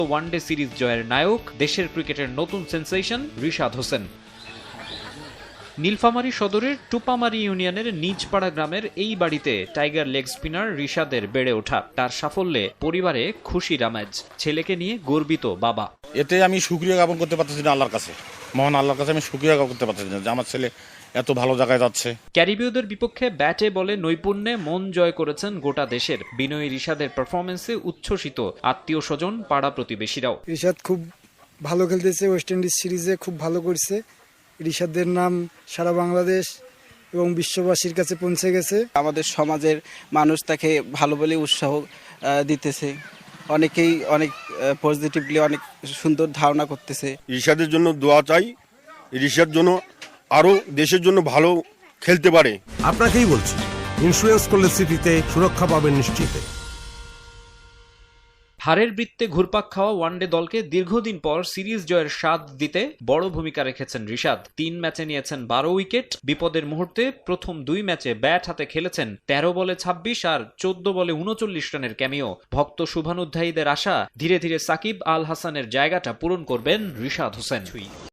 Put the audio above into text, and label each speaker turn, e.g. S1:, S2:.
S1: One day series জয়ের নায়ক দেশের ক্রিকেটের নতুন সেন্সেশন রিশাদ হোসেন। নীলফামারী সদরের টুপামারী ইউনিয়নের নিজপাড়া গ্রামের এই বাড়িতে টাইগার লেগ স্পিনার রিশাদের বেড়ে ওঠা। তার সাফল্যে পরিবারে খুশির আমেজ, ছেলেকে নিয়ে গর্বিত বাবা।
S2: এতে আমি শুকরিয়া জ্ঞাপন করতে পারতেছি না আল্লাহর কাছে, মহান আল্লাহর কাছে আমি শুকরিয়া জ্ঞাপন করতে পারতেছি না যে আমার ছেলে এত ভালো জায়গায় যাচ্ছে।
S1: ক্যারিবীয়দের বিপক্ষে ব্যাটে বলে নৈপুণ্যে মন জয় করেছেন গোটা দেশের। বিনয়ী রিশাদের পারফরমেন্সে উচ্ছ্বসিত আত্মীয় স্বজন, পাড়া প্রতিবেশীরাও।
S3: রিশাদ খুব ভালো খেলতেছে, ওয়েস্ট ইন্ডিজ সিরিজে খুব ভালো করছে। রিশাদের নাম সারা বাংলাদেশ এবং বিশ্ববাসীর কাছে পৌঁছে গেছে।
S4: আমাদের সমাজের মানুষ তাকে ভালো বলে উৎসাহ দিতেছে, অনেকেই অনেক পজিটিভলি অনেক সুন্দর ধারণা করতেছে।
S5: রিশাদের জন্য দোয়া চাই, রিশাদ জন্য আরো দেশের জন্য ভালো খেলতে পারে।
S6: আপনাকেই বলছি, ইন্স্যুরেন্স করলে সিটিতে সুরক্ষা পাবেন নিশ্চিত।
S1: হারের বৃত্তে ঘুরপাক খাওয়া ওয়ানডে দলকে দীর্ঘদিন পর সিরিজ জয়ের স্বাদ দিতে বড় ভূমিকা রেখেছেন রিশাদ। 3 ম্যাচে নিয়েছেন 12 উইকেট। বিপদের মুহূর্তে প্রথম 2 ম্যাচে ব্যাট হাতে খেলেছেন 13 বলে 26 আর 14 বলে 39 রানের ক্যামিও। ভক্ত শুভানুধ্যায়ীদের আশা, ধীরে ধীরে সাকিব আল হাসানের জায়গাটা পূরণ করবেন রিশাদ হোসেন।